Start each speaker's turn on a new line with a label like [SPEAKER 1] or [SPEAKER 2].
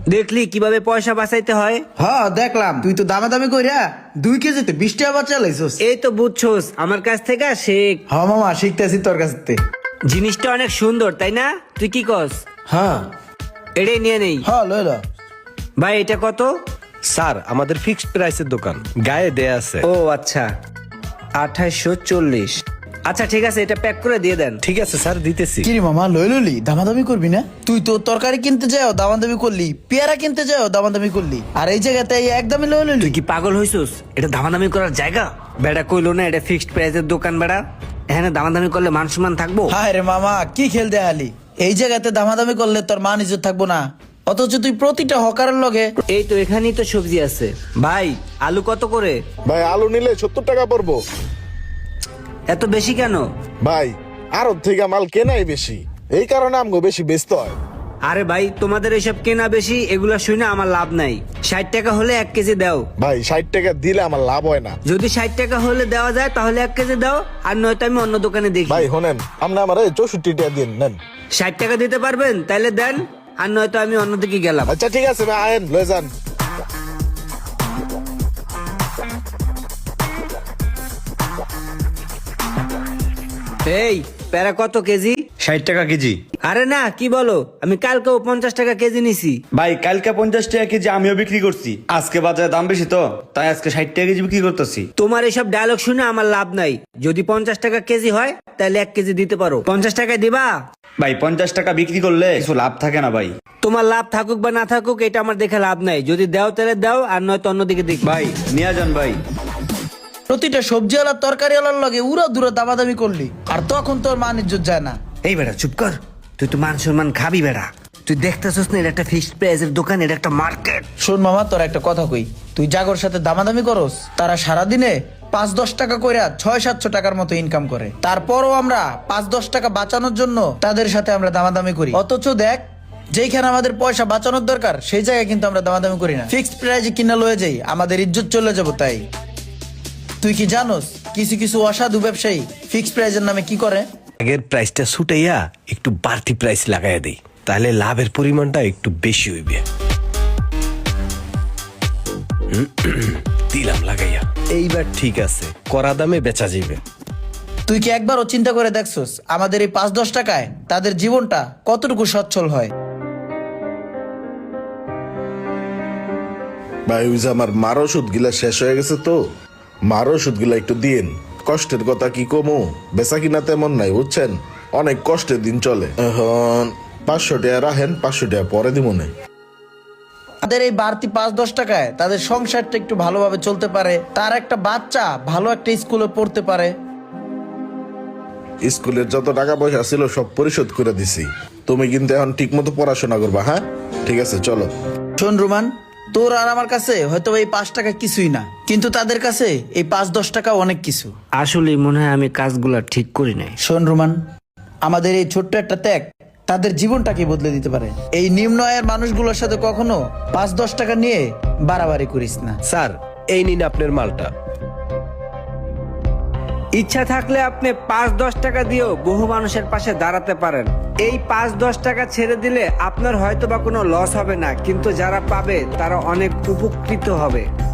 [SPEAKER 1] দেখলি কিভাবে পয়সা বাঁচাইতে হয়?
[SPEAKER 2] হ্যাঁ দেখলাম, তুই তো দামাদামি কইরা 2 কেজিতে 20 টাকা বাঁচা লাইছস।
[SPEAKER 1] এই তো বুঝছোস, আমার কাছ থেকে শেখ।
[SPEAKER 2] হ্যাঁ মামা, শিখতেছি তোর কাছ থেকে।
[SPEAKER 1] জিনিসটা অনেক সুন্দর তাই না? তুই কি কস?
[SPEAKER 2] হ্যাঁ
[SPEAKER 1] এটাই নিয়ে নেই।
[SPEAKER 2] হ্যাঁ লইল।
[SPEAKER 1] ভাই এটা কত?
[SPEAKER 3] স্যার আমাদের ফিক্সড প্রাইসের দোকান, গায়ে দেয়া আছে।
[SPEAKER 1] ও আচ্ছা, 2840। আচ্ছা ঠিক আছে, এটা প্যাক করে দিয়ে দেন।
[SPEAKER 3] ঠিক আছে স্যার, দিতেছি।
[SPEAKER 2] কিরে মামা লইলি দামাদামি করবি না? তুই তো তরকারি কিনতে যাও দামাদামি করলি, পেয়ারা কিনতে যাও দামাদামি করলি, আর এই জায়গাতে এই একদমই লইলি।
[SPEAKER 1] তুই কি পাগল হইছিস? এটা দামাদামি করার জায়গা? বেড়া কইলো না এটা ফিক্সড প্রাইসের দোকান বেড়া। এখানে দামাদামি করলে মান সম্মান থাকবো?
[SPEAKER 2] হায় রে মামা, কি খেল দেখালি? এই জায়গাতে দামাদামি করলে তোর মান ইজ্জত থাকবো না, অথচ তুই প্রতিটা হকারের লগে।
[SPEAKER 1] এই তো এখানেই তো সবজি আছে। ভাই আলু কত করে?
[SPEAKER 4] ভাই আলু নিলে 70 টাকা পড়বো।
[SPEAKER 1] এত বেশি কেন?
[SPEAKER 4] ভাই আড়ত থেকে মাল কেনাই বেশি, এই কারণে আমগো বেশি বেচতে হয়।
[SPEAKER 1] আরে ভাই তোমাদের এসব কেনা বেশি এগুলা শুনে আমার লাভ নাই। 60 টাকা হলে 1 কেজি দাও।
[SPEAKER 4] ভাই 60 টাকা দিলে আমার লাভ হয় না।
[SPEAKER 1] যদি 60 টাকা হলে দেওয়া যায় তাহলে 1 কেজি দাও, আর নয়তো আমি অন্য দোকানে দেখি।
[SPEAKER 4] ভাই শোনেন, আপনি আমার 64 টাকা দিন নেন।
[SPEAKER 1] 60 টাকা দিতে পারবেন? তাইলে দেন, আর নয়তো আমি অন্যদিকে গেলাম।
[SPEAKER 4] আচ্ছা ঠিক আছে ভাই, আয়েন লয়ে যান।
[SPEAKER 1] এই প্যারা কত কেজি?
[SPEAKER 5] 60 টাকা কেজি।
[SPEAKER 1] আরে না, কি বলো, আমি কালকেও 50 টাকা কেজি নিছি।
[SPEAKER 5] ভাই কালকে 50 টাকা কেজি আমিও বিক্রি করছি, আজকে বাজারে দাম বেশি তো তাই আজকে 60 টাকা কেজি বিক্রি করতেছি।
[SPEAKER 1] তোমার এসব ডায়লগ শুনে আমার লাভ নাই। যদি 50 টাকা কেজি হয় তাহলে 1 কেজি দিতে পারো। 50 টাকায় দিবা?
[SPEAKER 5] ভাই 50 টাকা বিক্রি করলে কিছু লাভ থাকে না ভাই।
[SPEAKER 1] তোমার লাভ থাকুক বা না থাকুক এটা আমার দেখে লাভ নাই। যদি দাও তাহলে দাও, আর নয়তো অন্যদিকে দেখি।
[SPEAKER 5] ভাই নিয়ে যান ভাই।
[SPEAKER 2] প্রতিটা সবজিওয়ালা তরকারিওয়ালার লগে উড়া দূরে দামাদামি করলি, আর তখন তোর মান ইজ্জত যায় না।
[SPEAKER 1] এই বেটা চুপ কর, তুই তো মান সম্মান খাবি বেটা। তুই দেখতেছিস না এটা একটা ফিক্সড প্রাইসের দোকান, এটা একটা মার্কেট।
[SPEAKER 2] শোন মামা, তোর একটা কথা কই, তুই জাগর সাথে দামাদামি করস, তারা সারাদিনে 5-10 টাকা কইরা 600-700 টাকার মতো ইনকাম করে। তারপরও আমরা 5-10 টাকা বাঁচানোর জন্য তাদের সাথে আমরা দামাদামি করি, অথচ দেখ যেইখানে আমাদের পয়সা বাঁচানোর দরকার সেই জায়গায় কিন্তু আমরা দামাদামি করি না। ফিক্সড প্রাইসে কিনা লয়ে যাই, আমাদের ইজ্জত চলে যাবো। তাই তুই কি জানোস কিছু কিছু অসাধু ব্যবসায়ী ফিক্সড প্রাইসের নামে কি করে?
[SPEAKER 3] আগের প্রাইসটা ছুটাইয়া একটু বাড়তি প্রাইস লাগাইয়া দেই, তাহলে লাভের পরিমাণটা একটু বেশি হইবে। দিলাম লাগাইয়া, এইবার ঠিক আছে, করা দামে বেচা যাবে।
[SPEAKER 2] তুই কি একবারও চিন্তা করে দেখছস আমাদের এই 5-10 টাকায় তাদের জীবনটা কতটুকু সচ্ছল হয়?
[SPEAKER 4] ভাই ওই যে আমার মার ওষুধ গিলা শেষ হয়ে গেছে, তো মার ওষুধ গিলা একটু দিন। কষ্টের কথা কি কমু, বেচা কিনা তেমন নাই বুঝছেন, অনেক কষ্টের দিন চলে। এখন 500 টাকা রাখেন, 500 টাকা পরে দিব না।
[SPEAKER 2] তাদের এই বাড়তি 5-10 টাকায় তাদের সংসারটা একটু ভালোভাবে চলতে পারে, তার একটা বাচ্চা ভালো একটা স্কুলে পড়তে পারে।
[SPEAKER 4] স্কুলের যত টাকা পয়সা ছিল সব পরিশোধ করে দিছি। তুমি কিন্তু এখন ঠিক মতো পড়াশোনা করবা, হ্যাঁ? ঠিক আছে চলো।
[SPEAKER 2] শোন রুমান, তোর আর আমার কাছে হয়তো এই 5 টাকা কিছুই না, কিন্তু তাদের কাছে এই 5-10 টাকা অনেক কিছু।
[SPEAKER 1] আসলে মনে হয় আমি কাজগুলা ঠিক করি নাই।
[SPEAKER 2] শোন রুমান, আমাদের এই ছোট্ট একটা ত্যাগ তাদের জীবনটাকে বদলে দিতে পারে। এই নিম্ন আয়ের মানুষগুলোর সাথে কখনো 5-10 টাকা নিয়ে বাড়াবাড়ি করিস না।
[SPEAKER 3] স্যার এই নিন আপনার মালটা।
[SPEAKER 1] ইচ্ছা থাকলে আপনি 5-10 টাকা দিয়েও বহু মানুষের পাশে দাঁড়াতে পারেন। এই 5-10 টাকা ছেড়ে দিলে আপনার হয়তো বা কোনো লস হবে না, কিন্তু যারা পাবে তারা অনেক উপকৃত হবে।